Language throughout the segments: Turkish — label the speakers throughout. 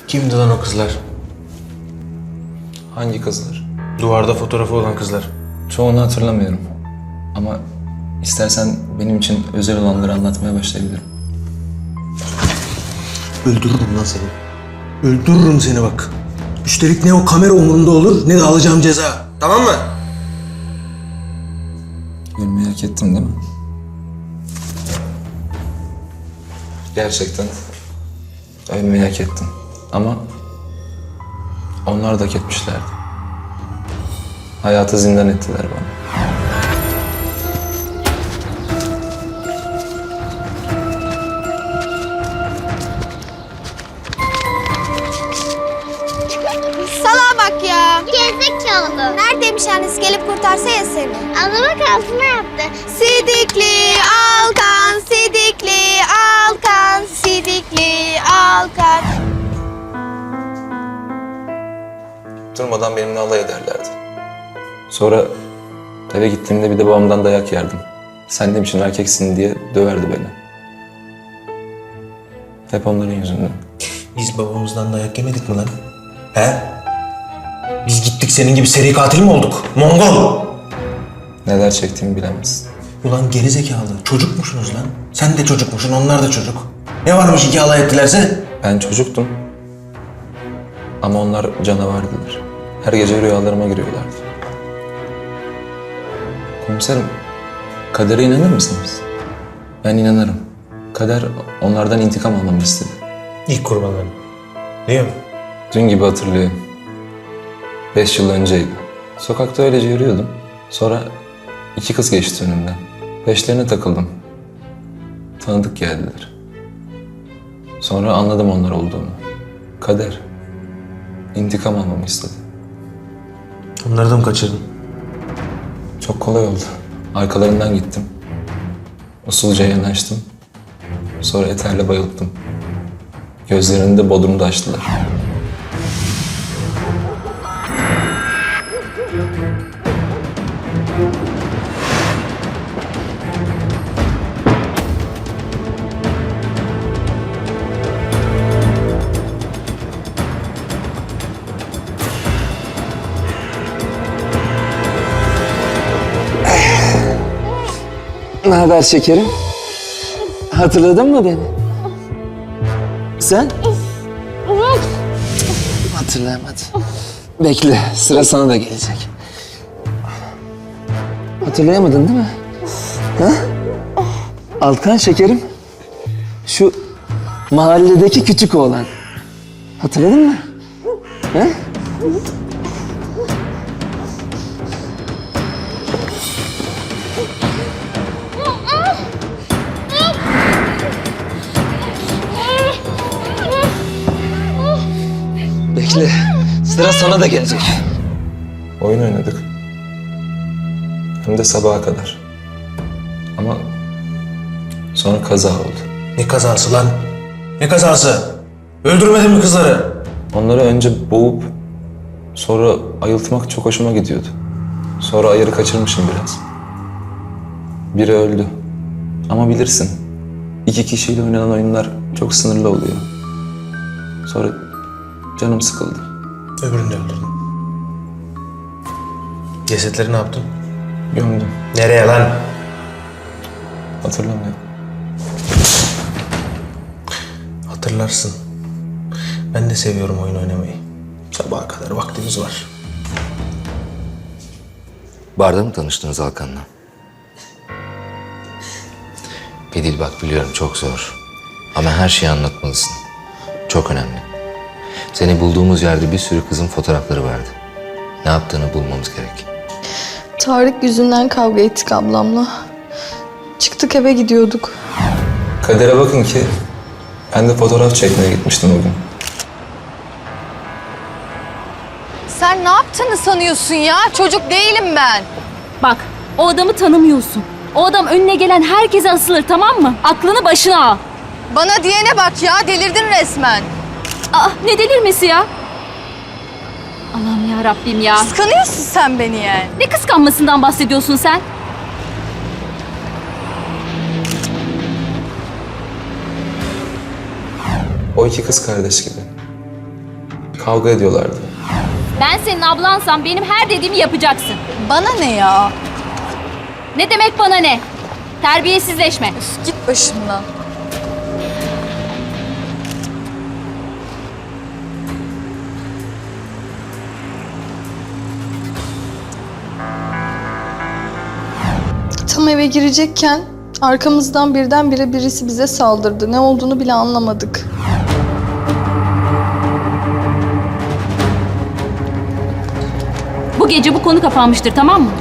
Speaker 1: Kimdi lan o kızlar?
Speaker 2: Hangi kızlar?
Speaker 1: Duvarda fotoğrafı olan kızlar.
Speaker 2: Çoğunu hatırlamıyorum. Ama istersen benim için özel olanları anlatmaya başlayabilirim.
Speaker 1: Öldürürüm lan seni. Öldürürüm seni bak. Üstelik ne o kamera umurumda olur ne de alacağım ceza. Tamam mı?
Speaker 2: Ölmeyi hak ettim değil mi? Gerçekten ölmeyi hak ettim. Ama onlar da hak etmişlerdi. Hayatı zindan ettiler bana.
Speaker 3: Salağa bak ya.
Speaker 4: Gerizekalı.
Speaker 3: Neredeymiş annesi gelip kurtarsa ya seni.
Speaker 4: Abla bak altına yaptı.
Speaker 3: Sidikli Alkan, Sidikli Alkan, Sidikli Alkan.
Speaker 2: Durmadan benimle alay ederlerdi. Sonra eve gittiğimde bir de babamdan dayak yerdim. Sen ne biçim erkeksin diye döverdi beni. Hep onların yüzünden.
Speaker 1: Biz babamızdan dayak yemedik mi lan? He? Biz gittik senin gibi seri katil mi olduk? Mongol!
Speaker 2: Neler çektiğimi bilemezsin.
Speaker 1: Ulan gerizekalı. Çocukmuşsunuz lan. Sen de çocukmuşsun, onlar da çocuk. Ne varmış iki alay ettilerse?
Speaker 2: Ben çocuktum. Ama onlar canavardılar. Her gece rüyalarıma giriyorlardı. Komiserim, kadere inanır mısınız? Ben inanırım. Kader onlardan intikam almamı istedi.
Speaker 1: İlk kurbanlarım. Değil mi?
Speaker 2: Dün gibi hatırlıyorum. 5 yıl önceydi. Sokakta öylece yürüyordum. Sonra 2 kız geçti önümden. Peşlerine takıldım. Tanıdık geldiler. Sonra anladım onlar olduğunu. Kader intikam almamı istedi.
Speaker 1: Onları da mı kaçırdın?
Speaker 2: Çok kolay oldu. Arkalarından gittim. Usulca yanaştım. Sonra eterle bayılttım. Gözlerini de bodrumda açtılar.
Speaker 5: Ne haber şekerim? Hatırladın mı beni? Sen? Hatırlayamadım. Bekle, sıra sana da gelecek. Hatırlayamadın değil mi? Ha? Alkan şekerim. Şu mahalledeki küçük oğlan. Hatırladın mı? Ha? Bekle, sıra sana da gelecek.
Speaker 2: Oyun oynadık. Hem de sabaha kadar. Ama sonra kaza oldu.
Speaker 1: Ne kazası lan? Ne kazası? Öldürmedin mi kızları?
Speaker 2: Onları önce boğup sonra ayıltmak çok hoşuma gidiyordu. Sonra ayarı kaçırmışım biraz. Biri öldü. Ama bilirsin, 2 kişiyle oynanan oyunlar çok sınırlı oluyor. Sonra canım sıkıldı.
Speaker 1: Öbürünü de öldürdün. Cesetleri ne yaptın?
Speaker 2: Gömdüm.
Speaker 1: Nereye lan?
Speaker 2: Hatırlamıyorum.
Speaker 1: Hatırlarsın. Ben de seviyorum oyun oynamayı. Sabaha kadar vaktimiz var.
Speaker 6: Barda mı tanıştınız Alkan'la? Bedil bak biliyorum çok zor. Ama her şeyi anlatmalısın. Çok önemli. Seni bulduğumuz yerde bir sürü kızın fotoğrafları vardı. Ne yaptığını bulmamız gerek.
Speaker 7: Tarık yüzünden kavga ettik ablamla. Çıktık eve gidiyorduk.
Speaker 2: Kadere bakın ki ben de fotoğraf çekmeye gitmiştim o gün.
Speaker 8: Sen ne yaptığını sanıyorsun ya? Çocuk değilim ben.
Speaker 9: Bak, o adamı tanımıyorsun. O adam önüne gelen herkese asılır, tamam mı? Aklını başına al.
Speaker 8: Bana diyene bak ya, delirdin resmen.
Speaker 9: Aa, ne delirmesi ya? Allah'ım ya Rabbim ya.
Speaker 8: Kıskanıyorsun sen beni yani.
Speaker 9: Ne kıskanmasından bahsediyorsun sen?
Speaker 2: O 2 kız kardeş gibi. Kavga ediyorlardı.
Speaker 9: Ben senin ablansam benim her dediğimi yapacaksın.
Speaker 8: Bana ne ya?
Speaker 9: Ne demek bana ne? Terbiyesizleşme.
Speaker 8: Git başımdan.
Speaker 7: Tam eve girecekken arkamızdan birdenbire birisi bize saldırdı. Ne olduğunu bile anlamadık.
Speaker 9: Bu gece bu konu kapanmıştır, tamam mı?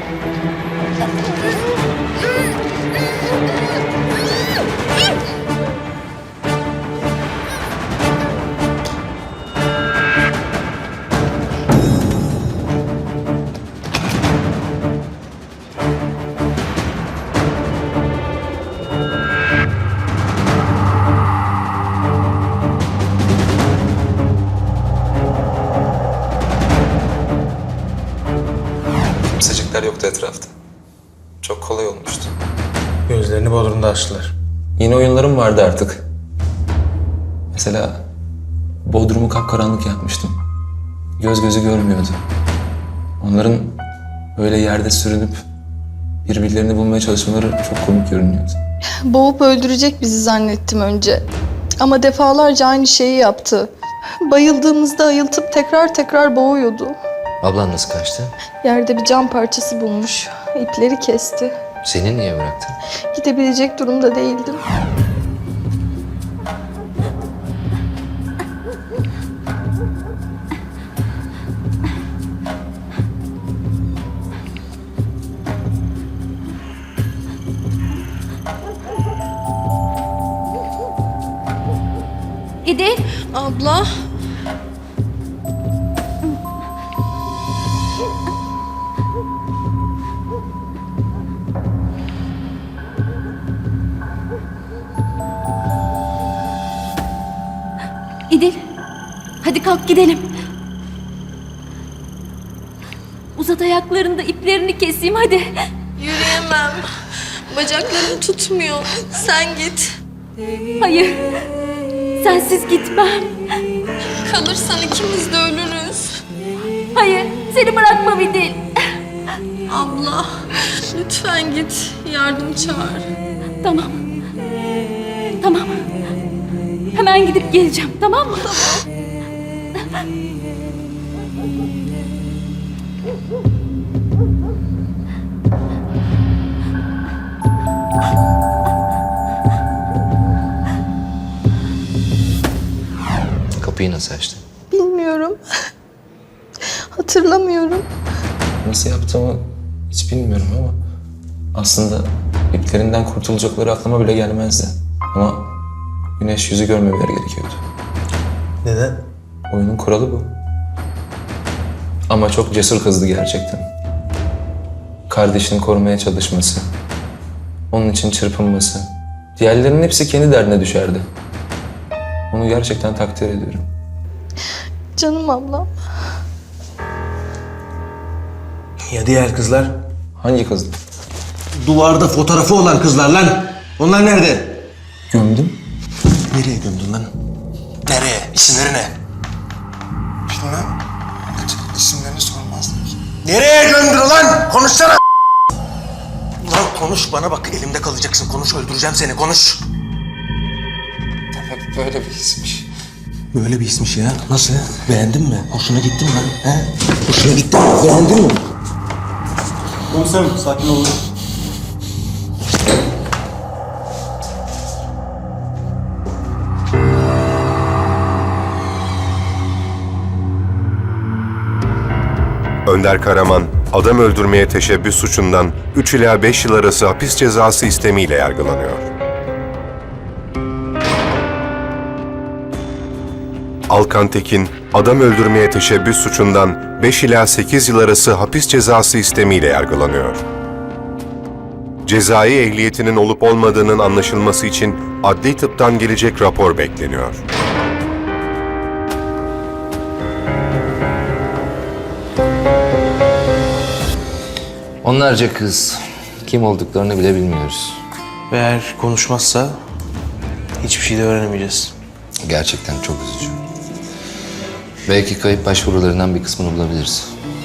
Speaker 2: Kimsecikler yoktu etrafta. Çok kolay olmuştu.
Speaker 1: Gözlerini Bodrum'da açtılar.
Speaker 2: Yeni oyunlarım vardı artık. Mesela Bodrum'u kapkaranlık yapmıştım. Göz gözü görmüyordu. Onların böyle yerde sürünüp birbirlerini bulmaya çalışmaları çok komik görünüyordu.
Speaker 7: Boğup öldürecek bizi zannettim önce. Ama defalarca aynı şeyi yaptı. Bayıldığımızda ayıltıp tekrar tekrar boğuyordu.
Speaker 6: Ablan nasıl kaçtı?
Speaker 7: Yerde bir cam parçası bulmuş. İpleri kesti.
Speaker 6: Seni niye bıraktı?
Speaker 7: Gidebilecek durumda değildim.
Speaker 9: İdil,
Speaker 7: Abla.
Speaker 9: İdil. Hadi kalk gidelim. Uzat ayaklarını da iplerini keseyim hadi.
Speaker 7: Yürüyemem. Bacaklarım tutmuyor. Sen git.
Speaker 9: Hayır. Sensiz gitmem.
Speaker 7: Kalırsan ikimiz de ölürüz.
Speaker 9: Hayır, seni bırakmam İdil.
Speaker 7: Abla, lütfen git. Yardım çağır.
Speaker 9: Tamam. Tamam. Hemen gidip geleceğim, tamam mı?
Speaker 6: Kapıyı nasıl açtı?
Speaker 7: Bilmiyorum. Hatırlamıyorum.
Speaker 2: Nasıl yaptığımı hiç bilmiyorum ama aslında iplerinden kurtulacakları aklıma bile gelmezdi. Ama güneş yüzü görmemeleri gerekiyordu.
Speaker 1: Neden?
Speaker 2: Oyunun kuralı bu. Ama çok cesur kızdı gerçekten. Kardeşini korumaya çalışması, onun için çırpınması. Diğerlerinin hepsi kendi derdine düşerdi. Onu gerçekten takdir ediyorum.
Speaker 7: Canım ablam.
Speaker 1: Ya diğer kızlar?
Speaker 2: Hangi kız?
Speaker 1: Duvarda fotoğrafı olan kızlar lan. Onlar nerede?
Speaker 2: Gömdüm.
Speaker 1: Nereye gömdün lan? Nereye? İsimleri ne? Bilmem. İsimlerini sormazdım. Nereye gömdün lan? Konuşsana! Lan konuş bana bak. Elimde kalacaksın. Konuş, öldüreceğim seni. Konuş.
Speaker 2: Demek böyle bir hismiş.
Speaker 1: Böyle bir ismiş ya. Nasıl? Beğendin mi? Hoşuna gitti mi lan? He? Hoşuna gitti mi? Beğendin mi?
Speaker 10: Komiserim sakin olun.
Speaker 11: Önder Karaman, adam öldürmeye teşebbüs suçundan 3 ila 5 yıl arası hapis cezası istemiyle yargılanıyor. Alkan Tekin, adam öldürmeye teşebbüs suçundan 5 ila 8 yıl arası hapis cezası istemiyle yargılanıyor. Cezai ehliyetinin olup olmadığının anlaşılması için adli tıptan gelecek rapor bekleniyor.
Speaker 6: Onlarca kız. Kim olduklarını bile bilmiyoruz.
Speaker 1: Ve eğer konuşmazsa hiçbir şey de öğrenemeyeceğiz.
Speaker 6: Gerçekten çok üzücü. Belki kayıp başvurularından bir kısmını bulabiliriz.